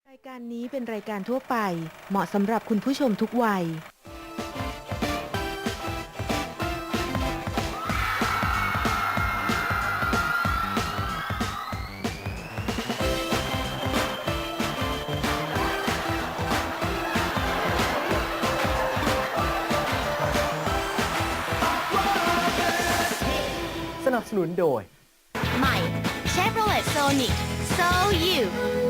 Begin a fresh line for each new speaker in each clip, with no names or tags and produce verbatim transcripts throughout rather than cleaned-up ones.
รายการนี้เป็นรายการทั่วไปเหมาะสำหรับคุณผู้ชมทุกวัย
สนับสนุนโดย
ใหม่ Chevrolet Sonic So You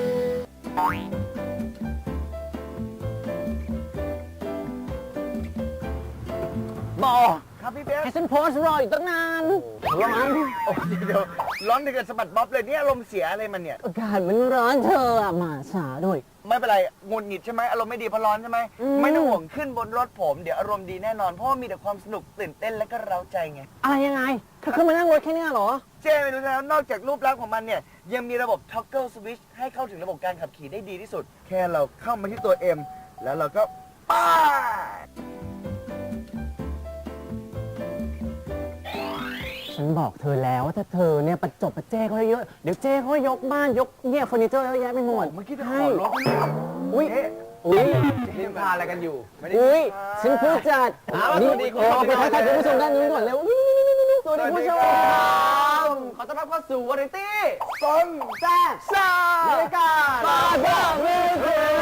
บอ
ครับพี่เบส
ให้ฉันโพสต์รออยู่ตั้งนานร้อน
โอ้เดี๋ยวร้อนถึงกับสะบัดบ๊อบเลยเนี่ยอารมณ์เสียอะไรมันเนี่ย
อากาศมันร้อนเธออะมาช้าด้วย
ไม่เป็นไรงุนหงิดใช่ไหมอารมณ์ไม่ดีเพราะร้อนใช่ไหม
อืม
ไม่ต้องห่วงขึ้นบนรถผมเดี๋ยวอารมณ์ดีแน่นอนเพราะว่ามีแต่ความสนุกตื่นเต้นและก็เร้าใจไง
อะไรยังไงเธอขึ้นมานั่งรถแค่เนี้ยเหรอ
เจ้ไม่รู้แล้วนอกจากรูปลักษณ์ของมันเนี่ยยังมีระบบ toggle switch ให้เข้าถึงระบบการขับขี่ได้ดีที่สุด แค่เราเข้ามาที่ตัว M แล้วเราก็ป้าด
ฉันบอกเธอแล้วว่าถ้าเธอเนี่ยประจบประเจ้เขาเยอะเดี๋ยวเจ้เขายกบ้านยกเนี่ยเฟอร์นิเจอร์เยอะแยะไปหมด
เมื่อกี้เธอข
ให้
อรถ
อุ้ย
เอ๊ะ
อุ้ย
นินทาอะไรกันอยู่ไม่ได้
อุ้ย
นินทา
ฉันพูดจัด
อ้าว
นี่
สวัสดีคุณ
โอ้
ผู้ชม
ไปทักทายคุณผู้ชมด้านนู้นก่อนเร็วนี่นี่นี่นี่สวัสดีคุณผู้ชมครับ
ขอต้อนรับเข้าสู่วาไรตี้ซน
แซ่บ
ซ่า
บรรยากาศบาร์เบอร์มิวสิก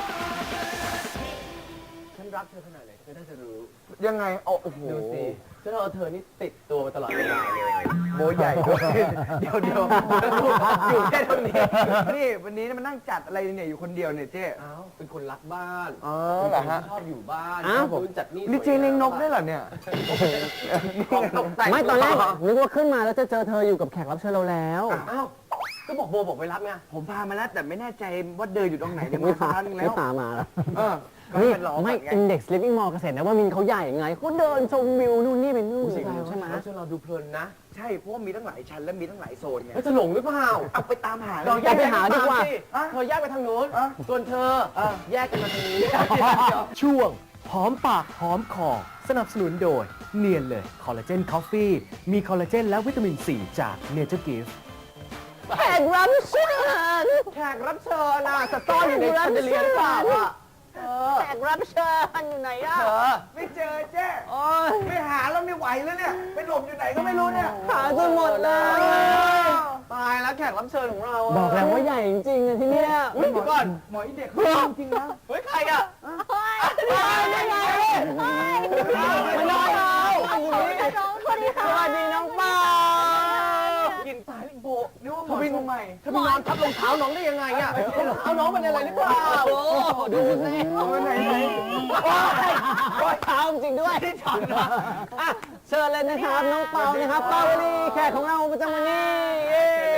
ฉันรักเธอขนาดไหนเธอน่าจะรู้
ยังไงโอ้โห
ดูสิฉันเอาเธอนี่ติดตัวมาตลอดเวลาเลย
โบใหญ่ด้วยเดี๋ยวเดี๋ยวอยู่แค่ตรงนี้นี่วันนี้มานั่งจัดอะไรเนี่ยอยู่คนเดียวเนี่ยเจ๊
อ้าวเป็นคนรักบ้าน
อ๋อ
เป็น
เหร
ค
อน ฮะ
ชอบอยู่บ้าน
อ้าว
ชอบจัดนี่
นี่เจ๊เลี้ยงนกได้วยเหรอเนี่ย
ของตกแต่ง
ไม่ตอนแรกนึกว่าขึ้นมาแล้วจะเจอเธออยู่กับแขกรับเชิญเราแล้ว
อ้าวก็บอกโบบอกไปรับไง
ผมพามาแล้วแต่ไม่แน่ใจว่าเดินอยู่ตรงไหนเนี่ย
ไม่
มาสัก
พา
พักนึงแล้
ไม่
ว
พามาแล้ว
เออก็
นี่
เป็นรอ
ไม่
ก่อนไง
Index Living Mall เกษตรนะว่ามินเขาใหญ่ไงเขาเดินชมวิวนู่นนี่เป็นนู่น
สิ่ง
ใช่ไหม
แล้วเราดูเพลินนะ
ใช่เพราะว่ามีตั้งหลายชั้นและมีตั้งหลายโซนไง
แล้วจะหลงหรือเปล่า
เอาไปตามหา
เรา
เลย
แยก
ไปหาดีกว่า
สิเธอแยกไปทางโน้น
อ่ะ
ส่วนเธอ
อ่ะ
แยกกันมาทางนี้
ช่วงหอมปากหอมคอสนับสนุนโดยเนียนเลยคอลลาเจนคอฟฟี่มีคอลลาเจนและวิตามินซีจากเนเจอร์กิฟ
แขกรับเชิญ
แขกรับเชิญน่ะจะซ่อนอยู่ในแชนเดเลียร์หรือเปล่าอ่ะเออ
แขกรับเชิญอยู่ไหนอะ
เธอ
ไม่เจอเจ๊
โอ้ย
ไม่หาแล้วไม่ไหวแล้วเนี่ยไปหลบอยู่ไหนก็ไม่รู้เนี่ย
หาจนหมดเลย
ตายแล้วแขกรับเชิญของเราะ
บอกแล้วว่าใหญ่จริงๆอะที่เนี่ย
อุ๊ยเดี๋ยวก่อน
หมออีเด็กเขาจริงๆนะ
เฮ้ยใครอ่ะ
เฮ้ย
เฮ้ยยังไง
ไม่ได้เรา
น้องคนนี้
ส
ค่ะ
วัสดีน้องเปา
กินตายโบ
นึกว่าหมอตัวใหม่
เธอไปนอนทับรองเท้าน้องได้ยังไงอ่ะรองเท้าน้องเป็นอะไรหรือเปล่า
โอ้ดูสิ
เอาไปไหนไหน
โอ้ยเท้าจริงด้วยอ่ะเชิญเลยนะครับน้องเปานะครับเปาวลีแขกของเราประจำวันนี้เย้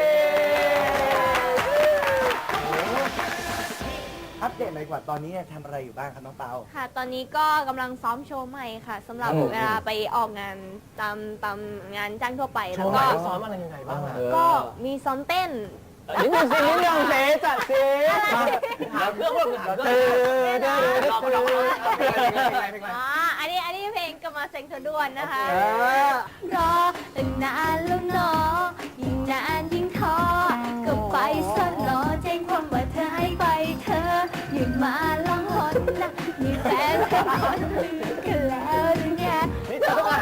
อัปเดตหน่อยกว่าตอนนี้เนี่ยทำอะไรอยู่บ้างครับน้องเปา
ค่ะ ตอนนี้ก็กำลังซ้อมโชว์ใหม่ค่ะสำหรับเวลาไปออกงานตามตามงานจ้างทั่วไปแล้วก็
ซ้อมอะไรยังไงบ้างอ่ะ
ก็มีซ้อมเต้น
นิดนึงสินิดนึงเสจัดสิ
หาเครื่องว่าหาเค
เอ
รื่อง
อเด้อเด้อเด้อ
เพลงอะไรเพลงอะไรเพลงอะไร
อ่า อันนี้ อันนี้เพลงกำมาเซ็งเธอด่วนนะคะ
เออ
รอตั้งนานแล้วเนอยิ่งนานยิ่งท้อก็ไปซะรอแจ้งความว่าเธอให้ไปเธออย่ามาลังหนนะมีแฟนเป็นคนอื่นกันแล้วหรือไง
นี่เธอต้องการ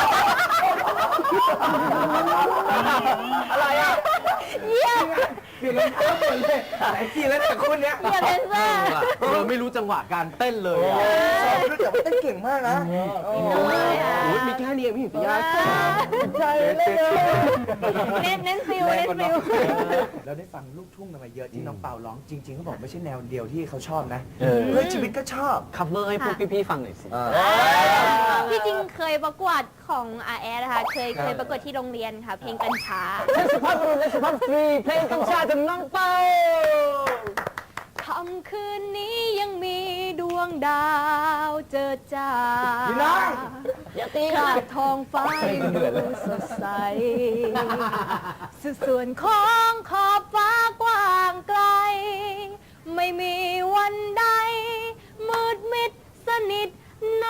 อะไรอ่ะ
เยี่ยม
เปลี่ยนรองเท้าหมดเลยหลายทีแล้วแต่คนเนี้ย
เยี่ยมเลนเซอร์
เธอไม่รู้จังหวะการเต้นเลยอ่ะ
ชอบรู้แต่ว่าเต้นเก่งมากนะโอ้
เลยอ่ะ
โอ้ยมีแค่นี้เองพี่หญิงติยา
ใจเลย
เน้นเน้นฟิลเน้นฟิล
เราได้ฟังลูกทุ่งกันมาเยอะที่น้องเปาร้องจริงๆเขาบอกไม่ใช่แนวเดียวที่เขาชอบนะเพื่อชีวิตก็ชอบ
คัฟเวอร์ให้พวกพี่ๆฟังหน่อยสิ
ที่จริงเคยประกวดของอาแอนะคะ เคยเคยประกวดที่โรงเรียนค่ะ เพลงกัญชา
เทศสุภาพบุรุษและสุภาพสตรีเพลงกัญชาจากน้องเปา
ค่ำคืนนี้ยังมีดวงดาวเจิดจ้า
พี่น้อง
อย่าตี
ก
ค่ะ
ลางท้องฟ้ายังดูสดใสสุดส่วนของขอบฟ้ากว้างไกล ไม่มีวันใด มืดมิดสนิทนา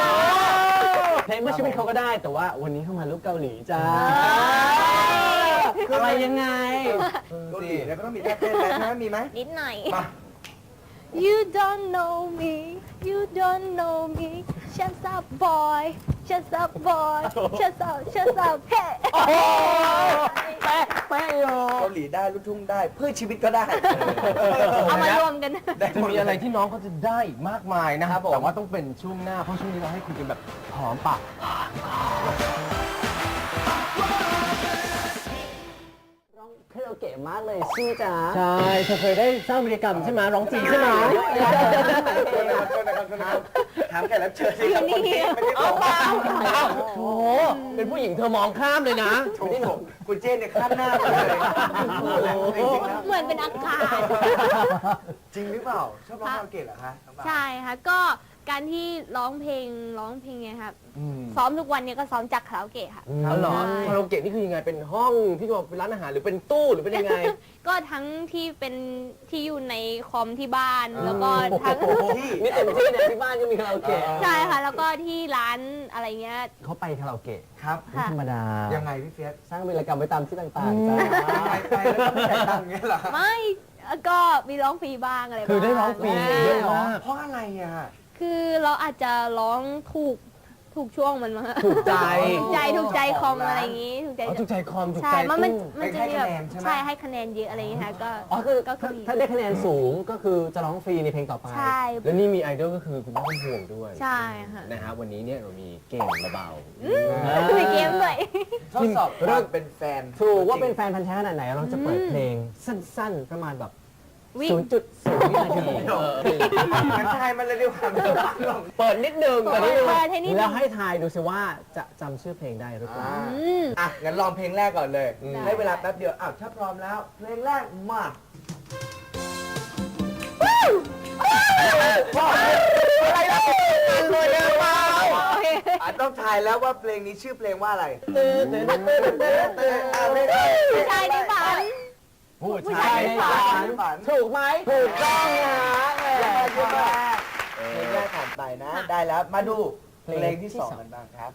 เพลงเมื่อชีวิตเขาก็ได้แต่ว่าวันนี้เข้ามาลูกเกาหลีจ้าอะไรยังไง
เกาหลีแล้วก็ต้องมีท่าเต้นแล้วใช่ไหมมีไหม
นิดหน่อย
มา
You don't know me You don't know me Shut up boy Shut up boy Shut up Shut up Hey
แป๊ะแป๊ะโย
เกาหลีได้ลูกทุ่งได้เพื่อชีวิตก็ได้
เอามารวมกัน
ได้
จะ
หมด
มีอะไรที่น้องเขาจะได้อีกมากมายนะครับ
ผม
แต่ว่าต้องเป็นช่วงหน้าเพราะช่วงนี้เราให้คุยกันแบบหอมปาก
ร้องคาราโอเกะมากเลยชื่อจ๋าใช่เธอเคยได้สร้างบรรยากาศใช่ไหมร้องจริงใช่ไหม
ถามแขกรับเชิญสิครับคนที่ไม่ได้บอกว่า
โอ้โหเป็นผู้หญิงเธอมองข้ามเลยนะ
ถูกผมคุณเจนเนี่ยข้ามหน้าไปเลยจริงๆแล้ว
เหมือนเป็นอากาศ
จริงหรือเปล่าชอบร้องคาราโอเกะเหรอคะน้องปา
ใช่ค่ะ ก็การที่ร้องเพลงร้องเพลงไงครับ ซ้อมทุกวันเนี้ก็ซ้อมจากคาราโอเกะค่ะ
อ๋อเหรอ
ใช่
คาราโอเกะนี่คือยังไงเป็นห้องที่ว่าเป็นร้านอาหารหรือเป็นตู้หรือเป็นยังไง
ก็ทั้งที่เป็นที่อยู่ในคอมที่บ้านแล้วก็ทั้ง
นี่เต็มที่เนี่ยที่บ้านก็มีคาราโอเกะ
ใช่ค่ะ แล้วก็ที่ร้านอะไรเงี้ย
เขาไปคาราโอเกะ
ครับ
ไม่ธรรมดา
ยังไงพี่เฟียส
สร้างวีรกรรมไว้ตามที่ต่างๆจ้า
ไปไปแล้วก็ไม่จ่ายตังค์เงี้ยเหรอ
ไม่ก็มีร้องฟรีบ้างอะไรบ้าง
คือได้ร้องฟรี
า
ด้วยเหรอ
เพราะอะไรอ่ะ
คือเราอาจจะร้องถูกถูกช่วงมันมั้งคะ
ถูกใจ
ถูกใจถูกใจคอมอะไรอย่างงี้ถูกใจ
อ๋อถูกใจคอมถูก
ใช่
ใจ
มันมัน
ตู้
มันจะมีแบบใช่ให้คะแนนเยอะอะไรอย่างเงี้ยค่ะก็
อ๋อคือ
ก็
ถ้า
มี
ถ้าได้คะแนนสูงก็คือจะร้องฟรีในเพลงต่อไป
ใช่
แล้วนี่มีไอดอลก็คือคุณพ่อคุณห่วงด้วย
ใช่ค่ะ
นะฮะวันนี้เนี่ยเรามีเกมเบา
มีเกมด้วย
ทดสอบเริ่มเป็นแฟน
ถูกว่าเป็นแฟนพันธุ์แท้ขนาดไหนเราจะเปิดเพลงสั้นๆ ประมาณแบบ
วิ่ง
ศูนย์จุดศูนย์วินาที
งั้นทายมันเลยดีกว่าไม่ต้องฟังหรอก
ๆเปิดนิดนึง
เปิ
เปิดนิดนึง
เปิดให้นิดนึง
แล้วให้ทายดูสิว่าจะจำชื่อเพลงได้หรือเปล่า
อืม
อ่ะงั้นลองเพลงแรกก่อนเลย
ได้
ให้เวลาแป๊บเดียวอ้าวถ้าพร้อมแล้ว เพลงแรกมาอะไรนะเลยนะเปล่า
โอเค
อ่ะต้องทายแล้วว่าเพลงนี้ชื่อเพลงว่าอะไร
ผู้ชายในฝัน
ผู้
ผู้
ชา
ชาย ย
ในฝันฝัน
ถูกไหมถูกต้องนะเออ
เพลงแรกเพลงแรกผ่านไปนะ ได้แล้วมาดูเพลงที่สองกันบ้างครับ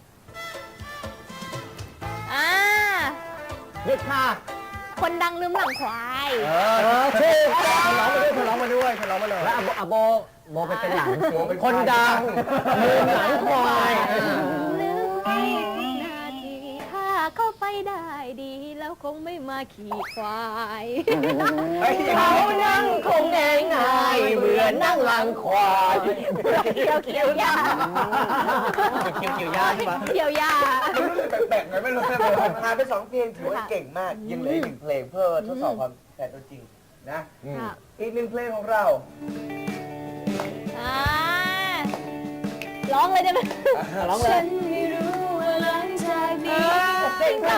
อ่า
หยุดค่ะ
คนดังลืมหลังควาย
เอ
เอ
อ
อถูก
เธอร้องมาด้วยเธอร้องมาด้วยเธอร้องมาเลย
แล้วอะโบอะโบโบไปเป็นหลังสิ
คนดังลืมหลังควาย
นึกไปนาทีถ้าเข้าไปได้ดี แล้วคงไม่มาขี่ควาย
เขานั่งคงแดงง่ายเหมือนนั่งหลังควาย
เกี่ยวเกี่ยวหญ้า
เกี่ยวเกี่ยวยาใช่ไหม
เกี่ยวหญ้า
มันรู้สึกแปลกๆไงไม่รู้ผ่านไปสองเพลงถือว่าเก่งมาก ยังเหลืออีกหนึ่งเพลงเพื่อทดสอบความแต่ตัวจริงนะ
ค่ะ
อีกหนึ่งเพลงของเรา
อ่าร้องเลยได้ไหม
ร้องเลย
ฉันไม่รู้ว่าหลังจากนี้
เก่งมาก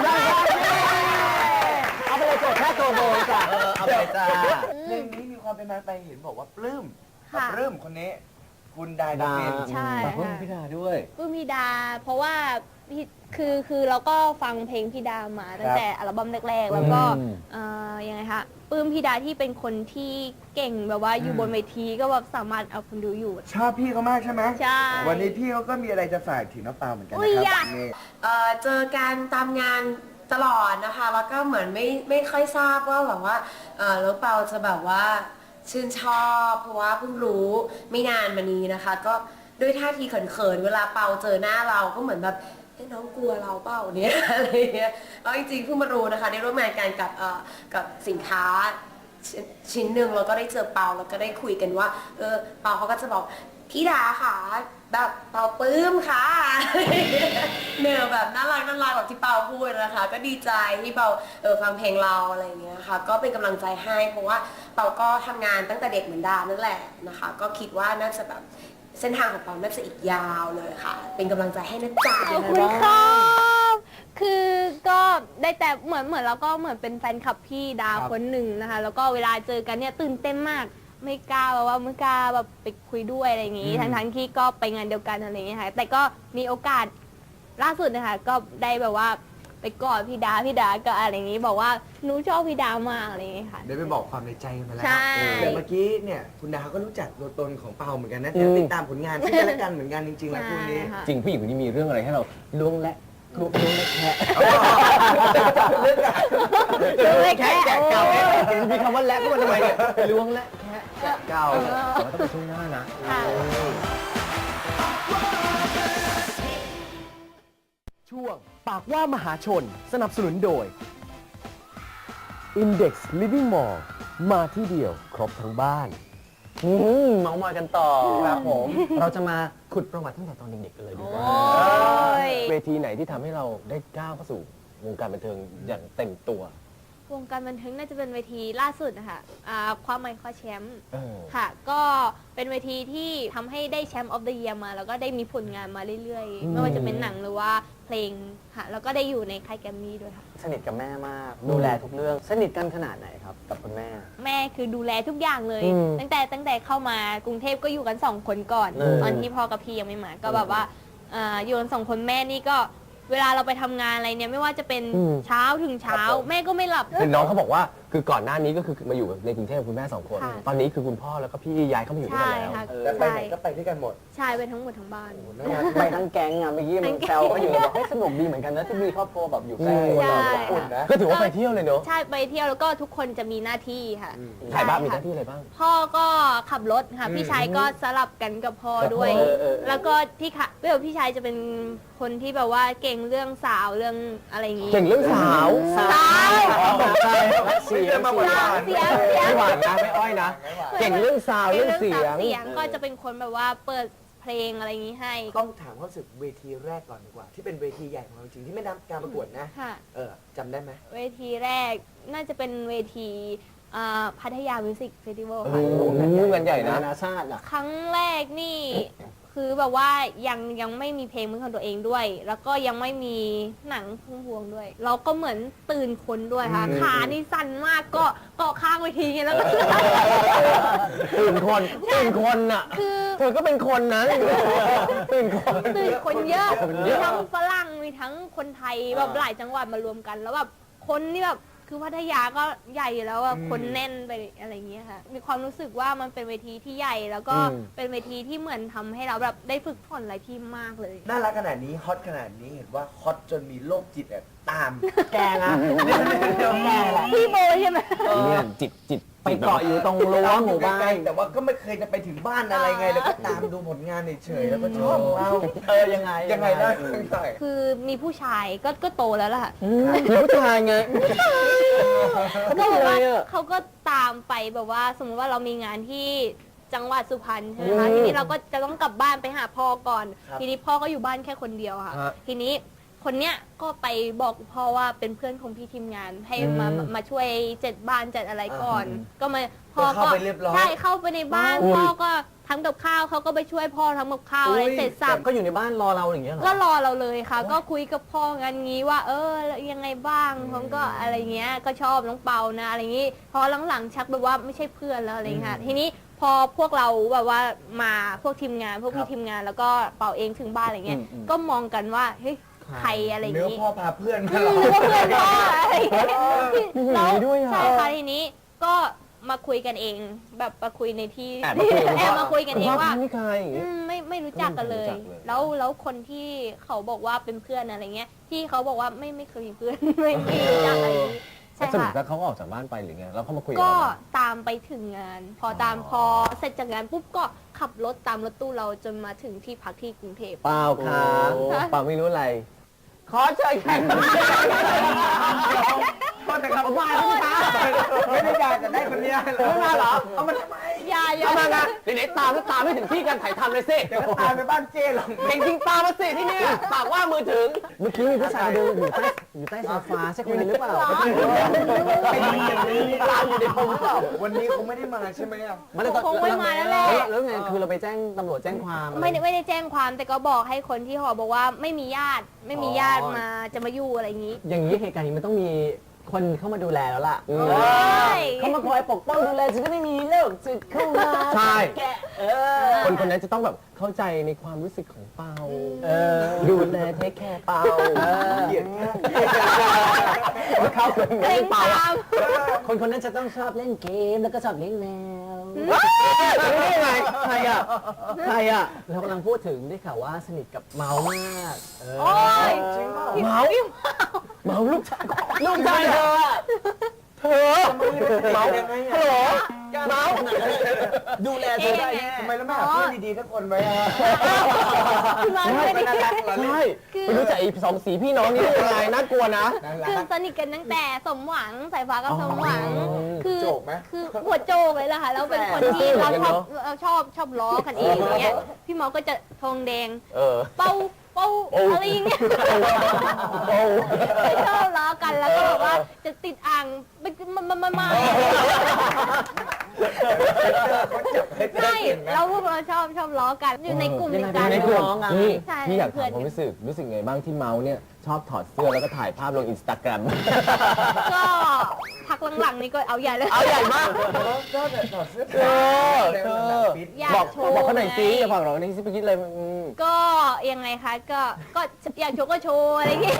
เอาไปเลยโจทย์แค่ตัวโบจ้ะ
เออเอาไปจ้า
เพลงนี้มีความเป็นมาไปเห็นบอกว่าปลื้มกับ
ค่ะ
ปลื้มคนนี้ คุณดาดาเมน
ใช่
ขอบคุณ
ค่ะ
พี่ดาด้วย
ปลื้มพี่ดา เพราะว่าพี่คือคือเราก็ฟังเพลงพี่ดามาตั้งแต่อัลบั้มแรกๆ แล้วก็
อืม
เอ่อยังไงคะปลื้มพี่ดาที่เป็นคนที่เก่งแบบว่าอยู่บนเวทีก็แบบสามารถเอาคนดูอยู่
ชอบพี่เขามากใช่ไหม
ใช่
วันนี้พี่เขาก็มีอะไรจะฝากถึงน้องเปาเหมือนกัน
อุ๊
นะ
ย
ค
อยา
รั
ก
บนี่
เอ่อเจอกันตามงานตลอดนะคะ แล้วก็เหมือนไม่ไม่ค่อยทราบว่าแบบว่าเออแล้วเปาจะแบบว่าชื่นชอบเพราะว่าเพิ่งรู้ไม่นานมานี้นะคะ ก็ด้วยท่าทีเขินๆเวลาเปาเจอหน้าเราก็เหมือนแบบเอ้น้องกลัวเราเปล่าเนี่ย อะไรเงี้ยแล้วจริงๆเพิ่งมารู้นะคะได้ร่วมงานกันกับเอ่อกับสินค้าชิ้นชิ้นหนึ่งแล้วก็ได้เจอเปาแล้วก็ได้คุยกันว่าเออเปาเขาก็จะบอกพี่ดาค่ะแบบเปาปลื้มค่ะ เนื้อแบบน่ารักน่ารักแบบที่เปาพูดนะคะ ก็ดีใจที่เปาเออฟังเพลงเราอะไรอย่างเงี้ยค่ะก็เป็นกำลังใจให้เพราะว่าเปาก็ทำงานตั้งแต่เด็กเหมือนดานั่นแหละนะคะ ก็คิดว่าน่าจะแบบเส้นทางของเปาน่าจะอีกยาวเลยค่ะ เป็นกำลังใจให้นะจ๊ะ
ขอบคุณครับคือก็ได้แต่เหมือนเหมือนเราก็เหมือนเป็นแฟนคลับพี่ดาคนหนึ่งนะคะ แล้วก็เวลาเจอกันเนี่ยตื่นเต้นมาก ไม่กล้าแบบว่าไม่กล้าแบบไปคุยด้วยอะไรอย่างงี้ ทั้งทั้งๆที่ก็ไปงานเดียวกันอะไรอย่างเงี้ยค่ะ แต่ก็มีโอกาสล่าสุดนะคะก็ได้แบบว่าไปกอดพี่ดาพี่ดาก็อะไรอย่างงี้ บอกว่าหนูชอบพี่ดามากอะไรอย่างเงี้ยค่ะ
เดี๋ยวไปบอกความในใจกันมาแล้ว
ใช่
เดี๋ยวเมื่อกี้เนี่ยคุณดาก็รู้จักตัวตนของเปาเหมือนกันนะเดี๋ยวติดตามผลงานซึ่งกันและกันเหมือนกันจริงๆแล้วคู่นี้
ใช่ค่ะ
จริงผู้หญิงคนนี้มีเรื่องอะไรให้เรา
ล้วงและลุงเล็กแคะ
เรื่องอะ
ลุงเล็กแคะ
แกะเก่ามีคำว่าแลกขึ้นมาทำไมเนี่ยล้วงและแคะแกะเก่าแต่ว่าต้องไปช่วงหน้านะ
ค่ะ
ช่วงปากว่ามหาชนสนับสนุนโดย Index Living Mall มาที่เดียวครบทั้งบ้าน
อืมเมาส์มอยกันต่อ
ครับผม
เราจะมาขุดประวัติตั้งแต่ตอนเด็กๆกันเลยดีกว่า
โอ้ย
เวทีไหนที่ทำให้เราได้ก้าวเข้าสู่วงการบันเทิงอย่างเต็มตัว
วงการบันเทิงน่าจะเป็นเวทีล่าสุดนะคะอ่าความหมายคว้าแชมป์
เออ
ค่ะ ก็เป็นเวทีที่ทำให้ได้แชมป์ออฟเดอะเยียร์มา แล้วก็ได้มีผลงานมาเรื่อย
อืม
ๆ ไม่ว่าจะเป็นหนังหรือว่าเพลงค่ะ แล้วก็ได้อยู่ในค่ายแกรมมี่ด้วยค่ะ
สนิทกับแม่มาก ดูแลทุกเรื่อง สนิทกันขนาดไหนครับ กับคุณแม่
แม่คือดูแลทุกอย่างเลย
อืม
ตั้งแต่ตั้งแต่เข้ามากรุงเทพก็อยู่กันสองคนก่อน
เออ
ตอนที่พ่อกับพี่ยังไม่มา ก็แบบว่าอ่าอยู่กันสองคนแม่นี่ก็เวลาเราไปทำงานอะไรเนี่ยไม่ว่าจะเป็นเช้าถึงเช้า แม่ก็ไม่หลับ
เห็นน้องเขาบอกว่าคือก่อนหน้านี้ก็คือมาอยู่ในกรุงเทพกับคุณแม่สองคน
ค่ะ
ตอนนี้คือคุณพ่อแล้วก็พี่ย้ายเข้ามาอยู่ด้วย
ใช่
กันแล้ว
ค่ะ
เออ
แต่ไป
ใช่
ไหนก็ไปด้วยกันหมด
ใช่ไปทั้งหมดทั้งบ้าน
ไปทั้งแก๊งอ่ะเมื่อกี้มันแซวก็อยู่บอกให้ยสนุกดีเหมือนกันนะที่มีครอบครัวแบบอยู่ใกล้
ใช่
เราอุ่นนะก็ถือว่าไปเที่ยวเลยเนอะ
ใช่ไปเที่ยวแล้วก็ทุกคนจะมีหน้าที่ค่ะ
ใครบ้างมีห
ใช่
น้าที่อะไรบ้าง
พ่อก็ขับรถค่ะ พี่ชายก็สลับกันกับพ่อด้วย
เออเออเออ
แล้วก็พี่ค่ะเวลพี่ชายจะเป็นคนที่แบบว่าเก่งเรื่องสาวเรื่องอะไรอย่างงี้
เก่งเรื่องสาว
สาว
ตกใจเสียง
มาหวาน
เสียงเสียง
ไม่หวานนะไม่อ้อยนะ เก่งเรื่องซาวด์เรื่องเสียง
เสียงก็จะเป็นคนแบบว่าเปิดเพลงอะไรอย่างงี้ให้
ต้องถามความรู้สึกเวทีแรกก่อนดีกว่า ที่เป็นเวทีใหญ่ของเราจริงที่ไม่นับการประกวดนะ
ค่ะ
เออจำได้ไหม
เวทีแรกน่าจะเป็นเวทีอ่าพัทยามิวสิกเฟสติวัล
โอ้
ค่ะ
โหงานใหญ่นะนานาชาติอ่ะ
ครั้งแรกนี่ คือแบบว่ายังยังไม่มีเพลงเป็นของตัวเองด้วย แล้วก็ยังไม่มีหนังพุ่มพวงด้วย เราก็เหมือนตื่นคนด้วยค่ะ
อืม
ขานี่สั่นมากก็เกาะข้างเวทีแล้วก็
ตื่นคนตื่นคนอ่ะ
คือ
เธอก็เป็นคนนะตื่นคน
ตื่นคนเยอะ
คนเย
มี
อะ
ทั้งฝรั่งมีทั้งคนไทยแบบหลายจังหวัดมารวมกัน แล้วแบบคนนี่แบบคือพัทยาก็ใหญ่อยู่แล้วอะคนแน่นไปอะไรอย่างเงี้ยค่ะ มีความรู้สึกว่ามันเป็นเวทีที่ใหญ่ แล้วก็เป็นเวทีที่เหมือนทำให้เราแบบได้ฝึกฝนอะไรที่มากเลย
น่ารักขนาดนี้ฮอตขนาดนี้เห็นว่าฮอตจนมีโรคจิตอะตาม
แกนะ
เดี๋ยวเดี๋ยวแกแหละ
พี่โบใช่ไหม
เนี่ยจิตจิตไปเกาะอยู่ตรงรั้วหมู่บ้าน
แต่ว่าก็ไม่เคยจะไปถึงบ้านอะไรไง แล้วก็ตามดูผลงานเฉยๆแล้วก็ชอบเรา
เออยังไง
ยังไงได้ยังไง
คือมีผู้ชายก็ก็โตแล้วล่ะ
มีผู้ชายไง
ก็แบบว่า
อะไรอะ
เขาก็ตามไปแบบว่า สมมติว่าเรามีงานที่จังหวัดสุพรรณใช่ไหมคะ
อืม
ทีนี้เราก็จะต้องกลับบ้านไปหาพ่อก่อน
ครับ
ทีนี้พ่อก็อยู่บ้านแค่คนเดียวค่ะ
ฮะ
ทีนี้คนเนี้ยก็ไปบอกพ่อว่าเป็นเพื่อนของพี่ทีมงาน ให้มา
อืม
มาช่วยจัดบ้านจัดอะไรก่อน ก็มาพ่
ก็
อ
เข้า
ก็
ไปเรียบร้อย
ใช่เข้าไปในบ้าน
อุ้ย
พ่อก็ทำกับข้าวเขาก็ไปช่วยพ่อทำกับข้าวอะไร
อุ้ย
เสร็จสับ
ก็อยู่ในบ้านรอเราอย่างเงี้ยเหรอ
ก็รอเราเลยค่ะ ก็คุยกับพ่อกันงี้ว่า เออยังไงบ้างผมก็อะไรเงี้ยก็ชอบน้องเปานะอะไรงี้พอหลังๆชักแบบว่าไม่ใช่เพื่อนแล้วอะไรเงี้ยค่ะทีนี้พอพวกเราแบบว่ามาพวกทีมงานพวก
ครั
พี่
บ
ทีมงานแล้วก็เปาเองถึงบ้านอะไรเงี้ย
อืมอืม
ก็มองกันว่าเฮ้ยใครอะไรอย่าง
เนื้อ
งี้
พ่อพาเพื่อน
อื
มาหรอ
มนึกว่าเพื่อนพ่ออะไรอย่างเงี้ย
มีอ
แล้
ย่าง
ว
นี้ด้วยอ่ะ
ใช่ค่ะทีนี้ก็มาคุยกันเอง แบบมาคุยในที่
แอบมาคุยกับ
แอบมาคุยกันเองว่า
คุณพ่อนี่ใครอย่าง
อื
เงี้ย
มไม่ไม่รู้จักกันเลย
ไม่รู้จักเลย
แล้วแล้วคนที่เขาบอกว่าเป็นเพื่อนอะไรเงี้ย ที่เขาบอกว่าไม่ไม่เคยมีเพื่อน ไม่ไม่รู้จักอะไรอย่างงี้ใช่
สรุป
ค่ะ
แล้วเขาออกจากบ้านไปหรือไงแล้วเขามาคุยกับ
ก็
เราไหม
ตามไปถึงงาน พอตามพอเสร็จจากงานปุ๊บก็ขับรถตามรถตู้เราจนมาถึงที่พักที่กรุงเทพ
เปล่าค่ะ
โอ้
เปล่าไม่รู้อะไร ขอเชิญแขกรับเชิญ
โทษนะครับมาไม่ได้อยากจะได้คนเนี้ย
ไม่มาเหรอ
เอามาทำไม
อย่าอย่า
เอามานะไหนๆตามก็ตามไม่ถึงที่การถ่ายทำเลยสิ
เดี๋ยวก็ตามไปบ้านเจ้หรอก
เก่งจริงตามมาสิที่เนี่ยปากว่ามือถึง เมื่อกี้มีผู้ชายเดินอยู่ใต้อยู่ใต้โซฟาใช่คนนี้หรือเปล่า
เป็นอย่างนี้
ตามอยู่ในผมหรือเปล่า
วันนี้คงไม่ได้มาใช่ไหมอ่ะ
มันเลย
คงไม่มาแล้วแหละ
แล้วไงคือเราไปแจ้งตำรวจแจ้งความอะร
ไม่ได้ไม่ได้แจ้งความแต่ก็บอกให้คนที่หอบอกว่าไม่มีญาติ ไม่มีญาติ
อ๋อ
มาจะมาอยู่อะไรอย่างนี้
อย่างนี้เหตุการณ์นี้มันต้องมีคนเข้ามาดูแลแล้วล่ะ
อืม
เออเขามาคอยปกป้องดูแลจะได้ไม่มีโรคจิตเข้ามา
ใช่
แกะเออ
คนคนนั้นจะต้องแบบเข้าใจในความรู้สึกของเปา
เออ
ดูแลเทคแคร์เปา
เหยียดแค่
เข้าเลย
เพลง
เปา
ตาม
คนคนนั้นจะต้องชอบเล่นเกมแล้วก็ชอบเลี้ยงแมว
รู้ได้ไงใครอ่ะใครอ่ะ
เรากำลังพูดถึงได้ข่าวว่าสนิทกับเมาส์มากเออ
โอ้ย
จริงเปล่า
เมาเมาลูกชายลูกชายเธออะเธอเมายังไงฮัลโหลเมา
ดูแลเธอได้แน่
ทำไมเราไม่หาเพื่อนดีๆสักคนไว้อะ
คุณร้อนไม่ได้
ใช่ไม่รู้จักไอ้สองสีพี่น้องนี่ได้ยังไงน่ากลัวนะ
คือสนิทกันตั้งแต่สมหวังสายฟ้ากับสมหวัง
อ๋อ
คือ
โจกไหม
คือหัวโจกเลยล่ะค่ะแล้วเป็นคนที่
ซื่อๆ
เรา
เหมือน
ช
กั
อน บ
เนอะ
เราชอบชอบล้อกันเองอย่างเงี้ยพี่เมาก็จะทองแดง
เออ
เป้าเป้า
โอ้
อะไรอย่างเงี้ย
โอ้
ไม่ชอบล้อกันแล้วก็แบบว่าจะติดอ่างไม่มามามามาใช่แล้วพวกเราชอบชอบล้อกันอยู่ในกลุ่มเดียวกัน
ในกลุ่ม
น้องอะ
นี่
ใช่
พี่อยาก
เพื่
ถา
อ
ม
น
ความรู้สึกรู้สึกไงบ้างที่เมาส์เนี่ยชอบถอดเสื้อแล้วก็ถ่ายภาพลงอินสตาแกรม
ก็พักหลังๆนี่ก็เอาใหญ่เลย
เอาใหญ่มาก
ก็แต่ถอดเสื้อ
เออเออ
อยาก
บอก
โชว์
บอกเขาหน่อยสิ
ไง
อย่าฟังเราในที่ไปคิดเลยอืม
ก็ยังไงคะก็ก็อยากโชว์ก็โชว์อะไรอย่างเงี้ย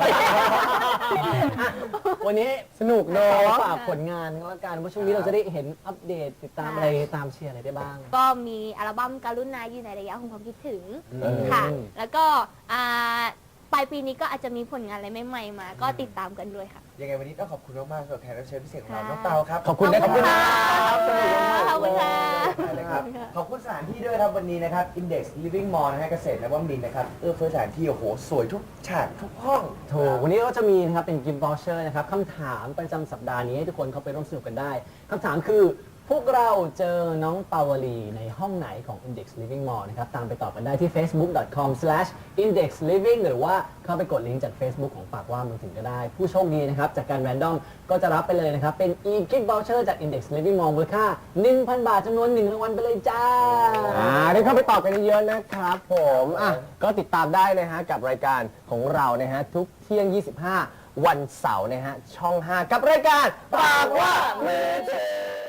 วันนี้
สนุกเนาะ
ฝากผลงานก็แล้วกันว่าช่วงนี้เราจะได้เห็นอัปเดตติดตามอะไรตามเชียร์อะไรได้บ้าง
ก็มีอัลบั้มการุณาอยู่ในระยะของความคิดถึง
เออ
ค่ะ แล้วก็อ่าปลายปีนี้ก็อาจจะมีผลงานอะไรใหม่ๆมา ก็ติดตามกันด้วยค่ะ
ยังไงวันนี้ต้องขอบคุณมากๆสำหรับแขกรับเชิญพิเศษของเราน้องเตาครับ
ขอบคุณนะ
ขอบคุณค่ะ
สนุกมาก
ขอบคุณค่ะ
เลยครับขอบคุณสถานที่ด้วยครับวันนี้นะครับ Index Living Mall นะฮะเกษตรนวมินทร์นะครับเอื้อเฟื้อสถานที่โอ้โหสวยทุกฉากทุกห้อง
ถูกวันนี้ก็จะมีนะครับเป็นกิมบอลเชอร์นะครับคำถามประจำสัปดาห์นี้ให้ทุกคนเข้าไปร่วมสนุกกันได้คำถามคือพวกเราเจอน้องปาวลีในห้องไหนของ Index Living Mall นะครับตามไปตอบกันได้ที่ เฟซบุ๊ก ดอท คอม สแลช อินเด็กซ์ ลิฟวิ่ง หรือว่าเข้าไปกดลิงก์จาก Facebook ของฝากว่ามือถือก็ได้ ผู้โชคดีนะครับจากการแรนดอมก็จะรับไปเลยนะครับเป็น e-gift voucher จาก Index Living Mall มูลค่า หนึ่งพัน บาทจำนวนหนึ่งรางวัลไปเลยจ้า
อ่าได้เข้าไปตอบกันเยอะๆนะครับผมอ่ะก็ติดตามได้นะฮะกับรายการของเรานะฮะทุกเที่ยง ยี่สิบห้า วันเสาร์นะฮะช่อง ห้า กับรายการปากว่ามือถือ